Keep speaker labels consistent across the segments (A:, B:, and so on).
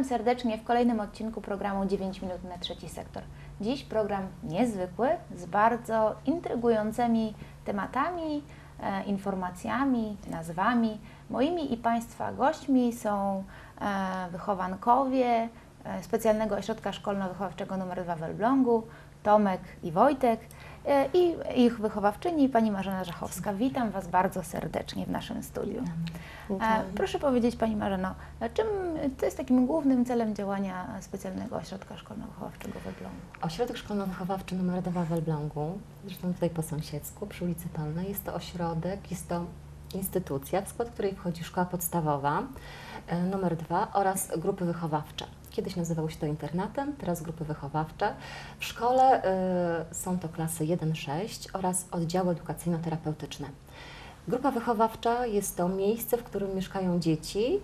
A: serdecznie w kolejnym odcinku programu 9 minut na trzeci sektor. Dziś program niezwykły, z bardzo intrygującymi tematami, informacjami, nazwami. Moimi i Państwa gośćmi są wychowankowie Specjalnego Ośrodka Szkolno-Wychowawczego nr 2 w Elblągu, Tomek i Wojtek, i ich wychowawczyni, pani Marzena Żachowska. Witam Was bardzo serdecznie w naszym studiu. Proszę powiedzieć, pani Marzeno, co jest takim głównym celem działania Specjalnego Ośrodka Szkolno-Wychowawczego w Elblągu?
B: Ośrodek Szkolno-Wychowawczy nr 2 w Elblągu, zresztą tutaj po sąsiedzku, przy ulicy Polnej, jest to ośrodek, jest to instytucja, w skład której wchodzi szkoła podstawowa nr 2 oraz grupy wychowawcze. Kiedyś nazywało się to internatem, teraz grupy wychowawcze. W szkole są to klasy 1-6 oraz oddziały edukacyjno-terapeutyczne. Grupa wychowawcza jest to miejsce, w którym mieszkają dzieci,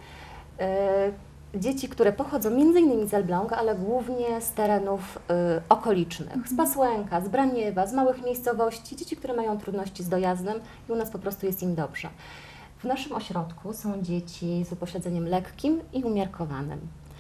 B: które pochodzą m.in. z Elbląga, ale głównie z terenów okolicznych, z Pasłęka, z Braniewa, z małych miejscowości, dzieci, które mają trudności z dojazdem i u nas po prostu jest im dobrze. W naszym ośrodku są dzieci z upośledzeniem lekkim i umiarkowanym.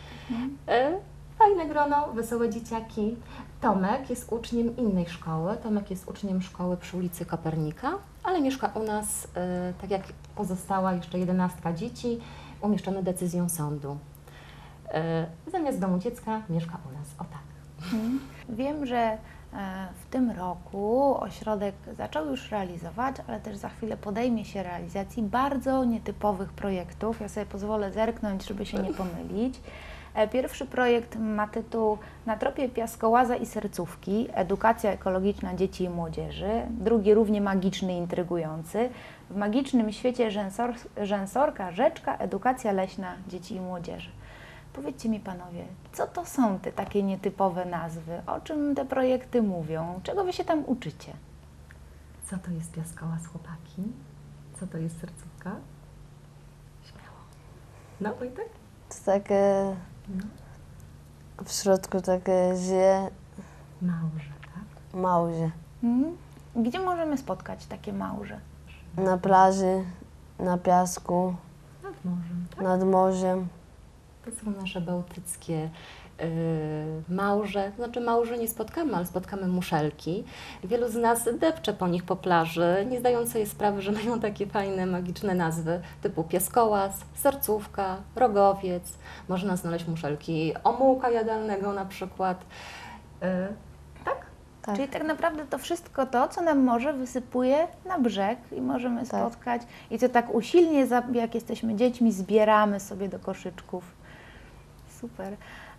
B: Fajne grono, wesołe dzieciaki. Tomek jest uczniem innej szkoły. Tomek jest uczniem szkoły przy ulicy Kopernika, ale mieszka u nas, tak jak pozostała jeszcze 11 dzieci, umieszczone decyzją sądu. Zamiast domu dziecka mieszka u nas. O tak.
A: Wiem, że w tym roku ośrodek zaczął już realizować, ale też za chwilę podejmie się realizacji bardzo nietypowych projektów. Ja sobie pozwolę zerknąć, żeby się nie pomylić. Pierwszy projekt ma tytuł Na tropie piaskołaza i sercówki. Edukacja ekologiczna dzieci i młodzieży. Drugi równie magiczny i intrygujący. W magicznym świecie rzęsorka, rzeczka, edukacja leśna dzieci i młodzieży. Powiedzcie mi panowie, co to są te takie nietypowe nazwy? O czym te projekty mówią? Czego wy się tam uczycie?
B: Co to jest piaskołaz, chłopaki? Co to jest sercówka? Śmiało. No, Wojtek?
C: To takie, w środku takie żyje
B: Małże, tak?
C: małże.
A: Gdzie możemy spotkać takie małże?
C: Na plaży, na piasku,
B: Nad morzem, tak?
C: nad morzem.
B: To są nasze bałtyckie małże. Znaczy małże nie spotkamy, ale spotkamy muszelki. Wielu z nas depcze po nich po plaży, nie zdając sobie sprawy, że mają takie fajne, magiczne nazwy typu piaskołaz, sercówka, rogowiec. Można znaleźć muszelki omułka jadalnego na przykład. Tak?
C: Tak.
A: Czyli tak naprawdę to wszystko to, co nam morze wysypuje na brzeg i możemy
C: Tak.
A: spotkać i co tak usilnie, jak jesteśmy dziećmi, zbieramy sobie do koszyczków. Super.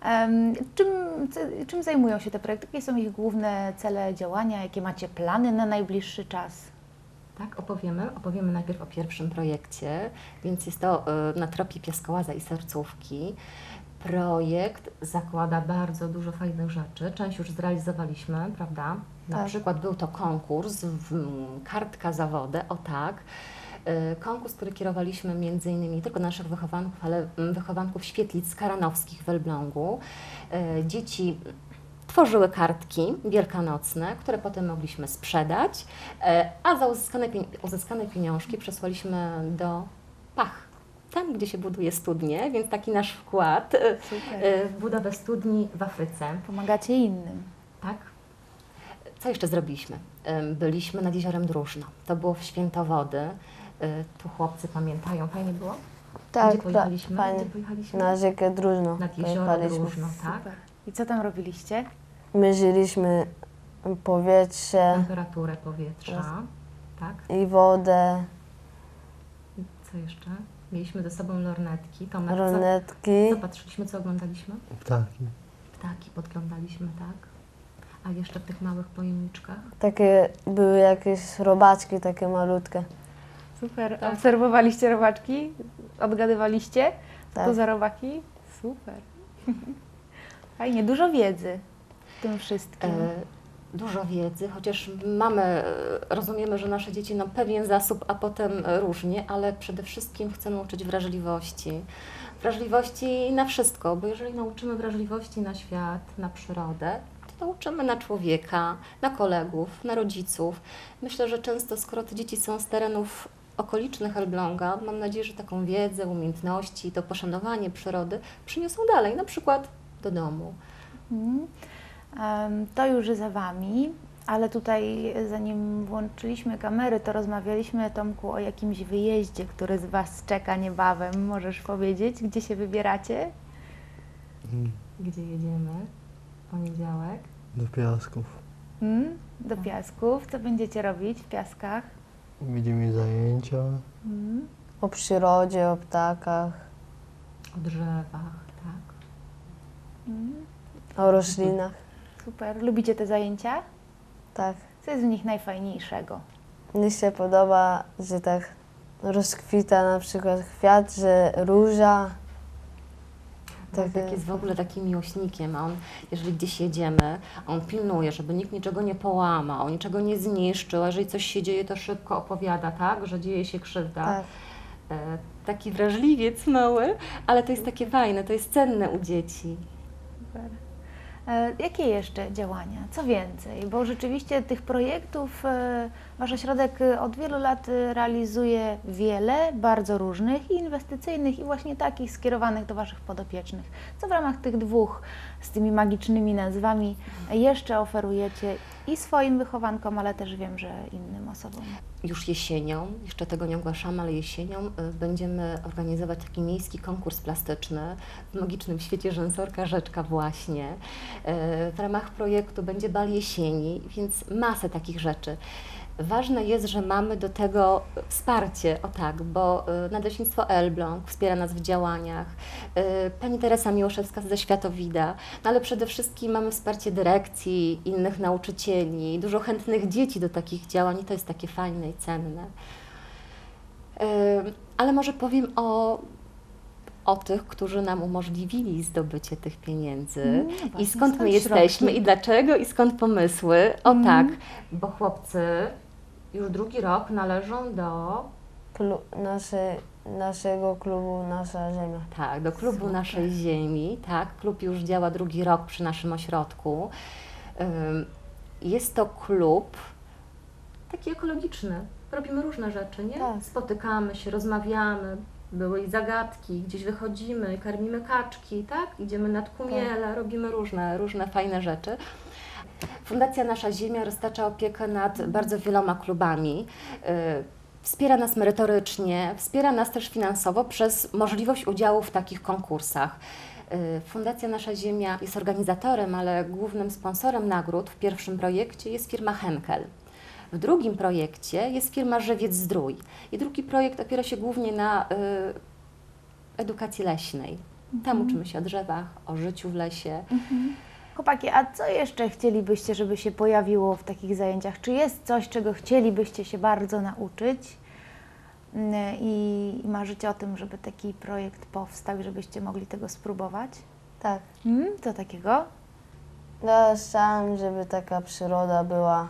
A: Czym zajmują się te projekty? Jakie są ich główne cele działania? Jakie macie plany na najbliższy czas?
B: Tak, opowiemy najpierw o pierwszym projekcie, więc jest to Na tropie piaskołaza i sercówki. Projekt zakłada bardzo dużo fajnych rzeczy, część już zrealizowaliśmy, prawda? Na
C: Tak.
B: przykład był to konkurs, kartka za wodę, o tak. Konkurs, który kierowaliśmy między innymi nie tylko naszych wychowanków, ale wychowanków świetlic karanowskich w Elblągu. Dzieci tworzyły kartki wielkanocne, które potem mogliśmy sprzedać, a za uzyskane pieniążki przesłaliśmy do Pach, tam gdzie się buduje studnie, więc taki nasz wkład w budowę studni w Afryce.
A: Pomagacie innym.
B: Tak. Co jeszcze zrobiliśmy? Byliśmy nad jeziorem Dróżno. To było w Świętowody. Tu chłopcy pamiętają, fajnie było?
C: Tak,
B: Gdzie pojechaliśmy?
C: fajnie.
B: Gdzie pojechaliśmy?
C: Na rzekę Dróżno
B: Nad jezioro
C: pojechaliśmy.
B: Dróżno, tak?
A: Super. I co tam robiliście?
C: Mierzyliśmy powietrze
B: Temperaturę powietrza, tak?
C: i wodę,
B: Co jeszcze? Mieliśmy ze sobą lornetki. Tomek,
C: ronetki.
B: co patrzyliśmy, co oglądaliśmy?
D: Ptaki.
B: Ptaki podglądaliśmy, tak? A jeszcze w tych małych pojemniczkach?
C: Takie były jakieś robaczki takie malutkie.
A: Super.
B: Tak.
A: Obserwowaliście robaczki? Odgadywaliście? Co to
C: Tak.
A: za robaki? Super. Fajnie, dużo wiedzy w tym wszystkim.
B: Dużo wiedzy, chociaż rozumiemy, że nasze dzieci pewien zasób, a potem różnie, ale przede wszystkim chcemy uczyć wrażliwości. Wrażliwości na wszystko, bo jeżeli nauczymy wrażliwości na świat, na przyrodę, to uczymy na człowieka, na kolegów, na rodziców. Myślę, że często, skoro te dzieci są z terenów okolicznych Elbląga, mam nadzieję, że taką wiedzę, umiejętności, to poszanowanie przyrody przyniosą dalej, na przykład do domu.
A: Mhm. To już za Wami, ale tutaj zanim włączyliśmy kamery, to rozmawialiśmy, Tomku, o jakimś wyjeździe, który z Was czeka niebawem. Możesz powiedzieć, gdzie się wybieracie?
B: Gdzie jedziemy? Poniedziałek.
D: Do Piasków.
A: Do Piasków. Co będziecie robić w Piaskach?
D: Widzimy zajęcia.
C: O przyrodzie, o ptakach,
B: O drzewach, tak.
C: o roślinach.
A: Super. Lubicie te zajęcia?
C: Tak.
A: Co jest w nich najfajniejszego?
C: Mnie się podoba, że tak rozkwita na przykład kwiat, że róża.
B: Tak jest w ogóle takim miłośnikiem, a on, jeżeli gdzieś jedziemy, on pilnuje, żeby nikt niczego nie połamał, niczego nie zniszczył, a jeżeli coś się dzieje, to szybko opowiada, tak, że dzieje się krzywda.
C: Tak.
B: Taki wrażliwiec mały, ale to jest takie fajne, to jest cenne u dzieci.
A: Super. Jakie jeszcze działania? Co więcej? Bo rzeczywiście tych projektów Wasz ośrodek od wielu lat realizuje wiele, bardzo różnych i inwestycyjnych i właśnie takich skierowanych do Waszych podopiecznych. Co w ramach tych dwóch z tymi magicznymi nazwami jeszcze oferujecie i swoim wychowankom, ale też wiem, że innym osobom?
B: Już jesienią, jeszcze tego nie ogłaszamy, ale jesienią będziemy organizować taki miejski konkurs plastyczny w magicznym świecie rzęsorka Rzeczka właśnie. W ramach projektu będzie bal jesieni, więc masę takich rzeczy. Ważne jest, że mamy do tego wsparcie, o tak, bo Nadleśnictwo Elbląg wspiera nas w działaniach, pani Teresa Miłoszewska ze Światowida, no ale przede wszystkim mamy wsparcie dyrekcji, innych nauczycieli, dużo chętnych dzieci do takich działań i to jest takie fajne i cenne. Ale może powiem o tych, którzy nam umożliwili zdobycie tych pieniędzy
A: No właśnie,
B: i skąd my
A: skąd
B: jesteśmy
A: środki?
B: i dlaczego i skąd pomysły. O tak, bo chłopcy już drugi rok należą do,
C: Naszego klubu Nasza Ziemia.
B: tak, do klubu
A: Super.
B: Naszej Ziemi. Tak, klub już działa drugi rok przy naszym ośrodku. Jest to klub taki ekologiczny. Robimy różne rzeczy, nie?
C: Tak.
B: Spotykamy się, rozmawiamy. Były i zagadki, gdzieś wychodzimy, karmimy kaczki, tak? Idziemy nad Kumiele, robimy różne fajne rzeczy. Fundacja Nasza Ziemia roztacza opiekę nad bardzo wieloma klubami. Wspiera nas merytorycznie, wspiera nas też finansowo przez możliwość udziału w takich konkursach. Fundacja Nasza Ziemia jest organizatorem, ale głównym sponsorem nagród w pierwszym projekcie jest firma Henkel. W drugim projekcie jest firma Żywiec Zdrój i drugi projekt opiera się głównie na edukacji leśnej. Tam uczymy się o drzewach, o życiu w lesie.
A: Chłopaki, a co jeszcze chcielibyście, żeby się pojawiło w takich zajęciach? Czy jest coś, czego chcielibyście się bardzo nauczyć i marzycie o tym, żeby taki projekt powstał i żebyście mogli tego spróbować?
C: Tak.
A: Co takiego?
C: Ja chciałam, żeby taka przyroda była,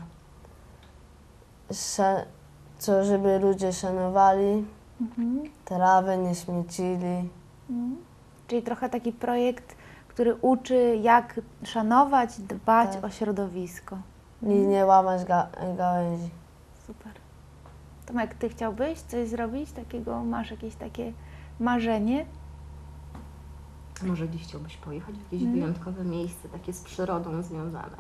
C: żeby ludzie szanowali, trawę nie śmiecili.
A: Czyli trochę taki projekt, który uczy, jak szanować, dbać
C: Tak.
A: o środowisko.
C: I nie łamać gałęzi.
A: Super. Tomek, Ty chciałbyś coś zrobić takiego? Masz jakieś takie marzenie?
B: Może gdzieś chciałbyś pojechać w jakieś wyjątkowe miejsce, takie z przyrodą związane?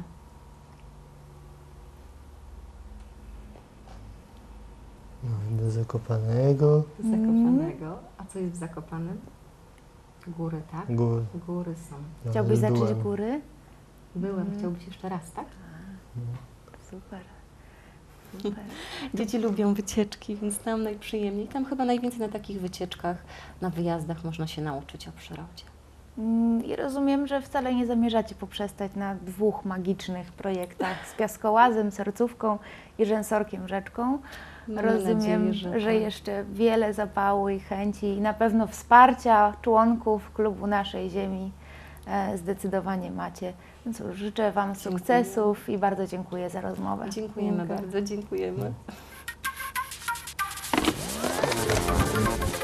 D: No, do Zakopanego.
B: Z Zakopanego. A co jest w Zakopanem? Góry, tak?
D: Gór.
B: Góry są.
D: No,
A: Chciałbyś zacząć
D: byłem.
A: góry?
B: Byłem, chciałbyś jeszcze raz, tak?
A: Super. Super.
B: Dzieci lubią wycieczki, więc tam najprzyjemniej. Tam chyba najwięcej na takich wycieczkach, na wyjazdach można się nauczyć o przyrodzie.
A: I rozumiem, że wcale nie zamierzacie poprzestać na dwóch magicznych projektach z piaskołazem, sercówką i rzęsorkiem Rzeczką.
B: Mamy
A: Rozumiem,
B: nadzieję,
A: że
B: tak.
A: jeszcze wiele zapału i chęci i na pewno wsparcia członków klubu Naszej Ziemi zdecydowanie macie. Więc cóż, życzę Wam
B: Dziękuję.
A: sukcesów i bardzo dziękuję za rozmowę.
B: Dziękujemy
C: Dziękuję.
B: bardzo, dziękujemy.